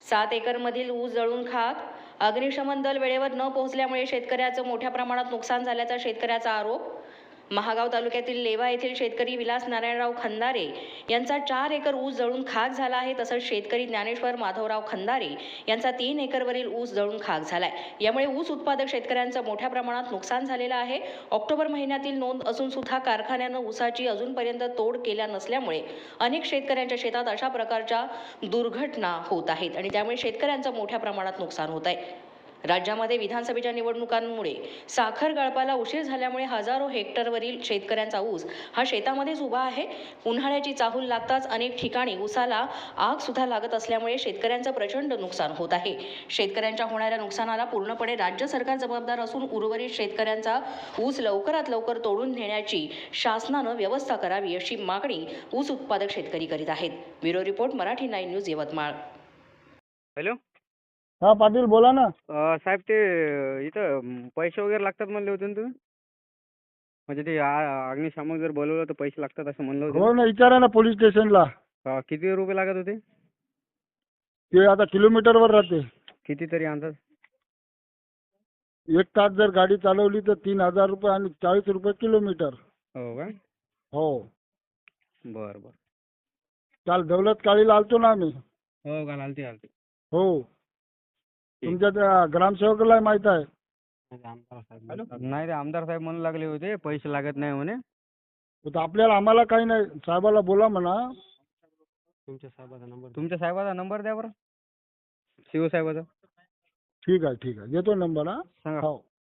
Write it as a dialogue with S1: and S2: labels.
S1: 7 एकरमधील ऊस जळून खाक. अग्निशमन दल वेळेवर न पोहोचल्यामुळे शेतकऱ्याचं मोठ्या प्रमाणात नुकसान झाल्याचा शेतकऱ्याचा आरोप. महागाव तालुक्यातील लेवा येथील शेतकरी विलास नारायणराव खंदारे यांचा 4 एकर ऊस जळून खाक झाला आहे. तसंच शेतकरी ज्ञानेश्वर माधवराव खंदारे यांचा 3 एकरवरील ऊस जळून खाक झालाय. यामुळे ऊस उत्पादक शेतकऱ्यांचं मोठ्या प्रमाणात नुकसान झालेलं आहे. ऑक्टोबर महिन्यातील नोंद असून सुद्धा कारखान्यानं ऊसाची अजूनपर्यंत तोड केल्या नसल्यामुळे अनेक शेतकऱ्यांच्या शेतात अशा प्रकारच्या दुर्घटना होत आहेत आणि त्यामुळे शेतकऱ्यांचं मोठ्या प्रमाणात नुकसान होत आहे. राज्यामध्ये विधानसभेच्या निवडणुकांमुळे साखर गळपाला उशीर झाल्यामुळे हजारो हेक्टरवरील शेतकऱ्यांचा ऊस हा शेतामध्येच उभा आहे. उन्हाळ्याची चाहूल लागताच अनेक ठिकाणी ऊसाला आग सुद्धा लागत असल्यामुळे शेतकऱ्यांचं प्रचंड नुकसान होत आहे. शेतकऱ्यांच्या होणाऱ्या नुकसानाला पूर्णपणे राज्य सरकार जबाबदार असून उर्वरित शेतकऱ्यांचा ऊस लवकरात लवकर तोडून नेण्याची शासनानं व्यवस्था करावी अशी मागणी ऊस उत्पादक शेतकरी करीत आहेत. Bureau report Marathi 9 news Yavatmal.
S2: Hello
S3: हा पाटील बोला ना.
S2: साहेब ते इथं पैसे वगैरे लागतात म्हणले होते ना तुम्ही? म्हणजे ते अग्निशामक जर बोलवलं तर पैसे लागतात असं म्हणलं होतं.
S3: हो ना, विचारा ना पोलीस स्टेशनला.
S2: किती रुपये लागत होते?
S3: ते आता किलोमीटरवर राहते.
S2: किती तरी अंदाज?
S3: 1 तास जर गाडी चालवली तर 3,000 रुपये आणि 40 रुपये किलोमीटर.
S2: हो का?
S3: हो.
S2: बरं बरं.
S3: काल दौलत काळीला आलतो ना आम्ही.
S2: हो का? आलते.
S3: हो. तुमच्या त्या ग्रामसेवकाला माहित आहे.
S2: नाही, ते आमदार साहेब म्हणू लागले होते पैसे लागत नाही म्हणे.
S3: तर आम्हाला काही नाही, साहेबाला बोला म्हणा.
S2: तुमच्या साहेबाचा नंबर द्या बरं. शिवसाहेबाचा.
S3: ठीक आहे देतो नंबर. हा
S2: सांगा.
S3: हो.